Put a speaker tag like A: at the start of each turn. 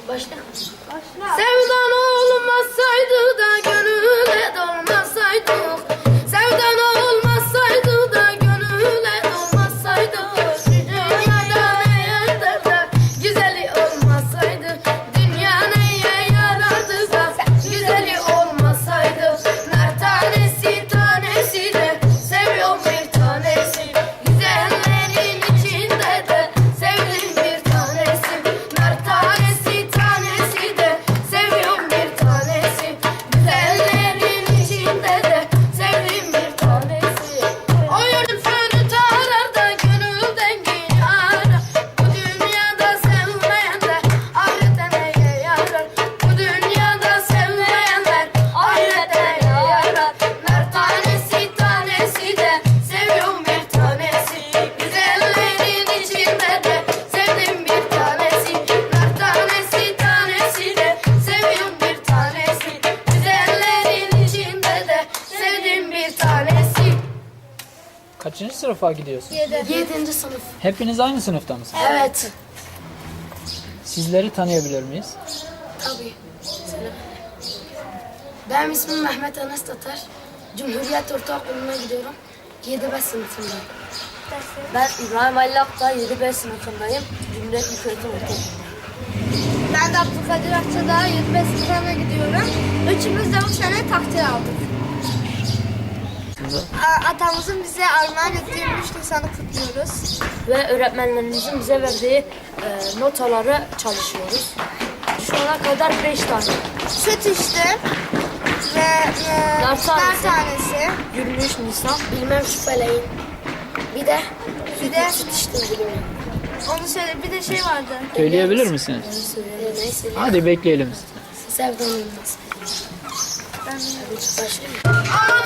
A: Başla.
B: Sevdan olmasaydı da gönüle dolmasaydık. Sevdan olmasaydı da gönüle dolmasaydık. Dünyada ne derler güzeli olmasaydı. Dünya neye yarardı da güzeli olmasaydı. Nar tanesi tanesi de seviyorum bir tanesi. Güzellerin içinde de sevdim bir tanesi. Nar tanesi tanesi de seviyorum bir tanesi. Güzellerin içinde de sevdim bir tanesi. O yönüm fönü tarar da gönül dengi arar. Bu dünyada sevmeyenler ahirete neye yarar? Bu dünyada sevmeyenler ahirete neye yarar? Nar tanesi tanesi de seviyorum bir tanesi. Güzellerin içinde de sevdim bir tanesi. Nar tanesi tanesi de seviyorum bir tanesi. Güzellerin içinde de sevdim bir tanesi.
C: Kaçıncı sınıfa gidiyorsun?
B: 7. sınıf.
C: Hepiniz aynı sınıfta mısınız?
B: Evet.
C: Sizleri tanıyabilir miyiz?
B: Tabii. Selam. Benim ismim Mehmet Enes Tatar. Cumhuriyet Ortaokulu'na gidiyorum. 7B sınıfındayım.
A: Ben İbrahim Ali Akta 7B sınıfındayım. Cumhuriyet Yükseköğretim Ortaokulu'nda.
D: Ben de Abdülkadir Akçadağ 25 sınıfına gidiyorum. Üçümüz de bu sene takdir aldık. Atamızın bize armağan ettiği 3 Nisan'ı kutluyoruz.
A: Ve öğretmenlerimizin bize verdiği notaları çalışıyoruz. Şu ana kadar 5 tane.
D: Süt içtim ve
A: Nar tanesi.
D: tanesi.
A: 23 Nisan.
B: Bilmem şu feleğin. Bir de
D: Bir de
B: işte bilmiyorum.
D: onu söyle. Bir de şey vardı.
C: Söyleyebilir misiniz?
B: Neyse.
C: Hadi bekleyelim.
B: Sevdan olmaz.
D: Ben
B: Başlayayım.